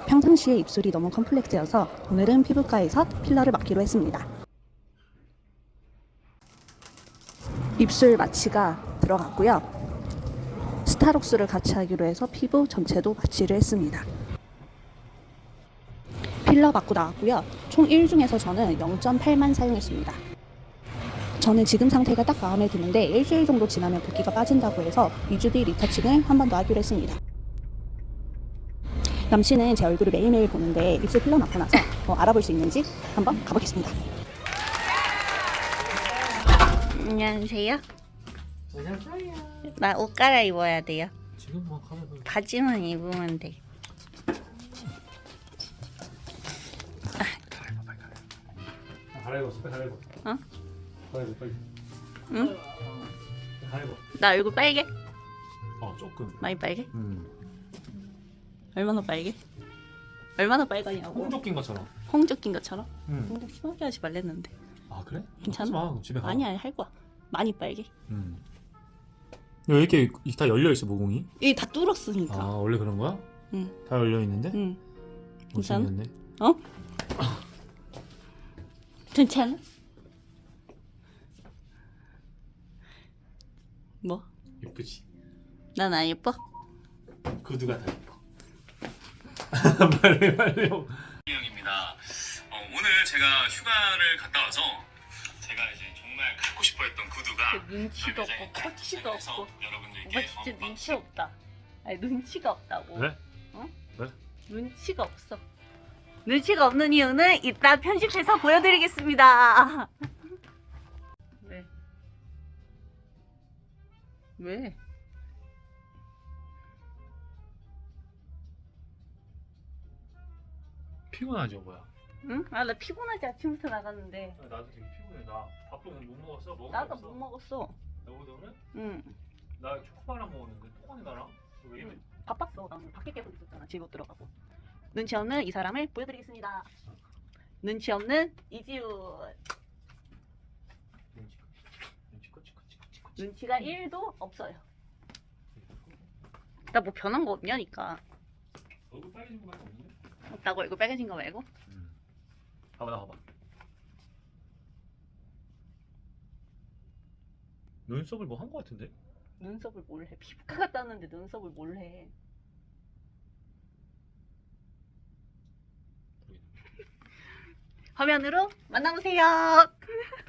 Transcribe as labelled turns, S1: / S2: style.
S1: 평상시에 입술이 너무 컴플렉스여서 오늘은 피부과에서 필러를 맞기로 했습니다. 입술 마취가 들어갔고요. 스타록스를 같이 하기로 해서 피부 전체도 마취를 했습니다. 필러 맞고 나왔고요. 총 1 중에서 저는 0.8만 사용했습니다. 저는 지금 상태가 딱 마음에 드는데 일주일 정도 지나면 붓기가 빠진다고 해서 2주 뒤 리터칭을 한 번 더 하기로 했습니다. 남친은 제 얼굴을 매일매일 보는데 입술 필러 맞고 나서 알아볼 수 있는지 한번 가보겠습니다.
S2: 안녕하세요.
S3: 안녕하세요.
S2: 나 옷 갈아입어야 돼요.
S3: 지금 뭐 가면
S2: 바지만 입으면 돼.
S3: 갈아입었어. 빨리 갈아입어.
S2: 어?
S3: 갈아입어 빨리.
S2: 응?
S3: 갈아입어.
S2: 나 얼굴 빨개?
S3: 조금.
S2: 많이 빨개? 얼마나 빨개? 얼마나 빨가냐고.
S3: 홍조 낀 것처럼.
S2: 홍조 낀 것처럼?
S3: 응.
S2: 홍조 심하게 하지 말랬는데.
S3: 아 그래?
S2: 괜찮아?
S3: 하지 마. 집에 가.
S2: 아니야, 할 거야. 많이 빨개.
S3: 왜 이렇게 다 열려 있어 모공이?
S2: 이게 다 뚫었으니까.
S3: 아 원래 그런 거야?
S2: 응.
S3: 다 열려 있는데?
S2: 응. 괜찮아?
S3: 괜찮네.
S2: 어? 괜찮아? 뭐?
S3: 예쁘지.
S2: 난 안 예뻐?
S3: 구두가 다 예뻐. 빨리 형입니다. 오늘 제가 휴가를 갔다 와서 제가 이제 정말 갖고 싶어했던 구두가
S2: 눈치도 없고 코치도 없고.
S3: 여러분들께
S2: 오빠 진짜 눈치 없다. 아니 눈치가 없다고.
S3: 왜?
S2: 어?
S3: 왜?
S2: 눈치가 없어. 눈치가 없는 이유는 이따 편집해서 보여드리겠습니다. 왜? 왜?
S3: 피곤하죠 뭐야?
S2: 응? 아 나 피곤하지 아침부터 나갔는데.
S3: 나도 되게 피곤해. 나 밥도 못 먹었어.
S2: 나도 못 먹었어.
S3: 너도 오늘?
S2: 응.
S3: 나 초코바랑 먹었는데 토관이 나랑? 왜 이래?
S2: 바빴어. 난 밖에 계속 있었잖아. 집 못 들어가고. 눈치 없는 이 사람을 보여드리겠습니다. 눈치 없는 이지훈. 눈치가 1도 없어요. 나 뭐 변한 거 없냐니까.
S3: 얼굴 빨개진 거밖에 없는데?
S2: 없다고 얼굴 빨개진 거 말고?
S3: 봐봐 나 봐봐. 눈썹을 뭐 한 거 같은데?
S2: 눈썹을 뭘 해? 피부과 갔다 왔는데 눈썹을 뭘 해? 화면으로 만나보세요.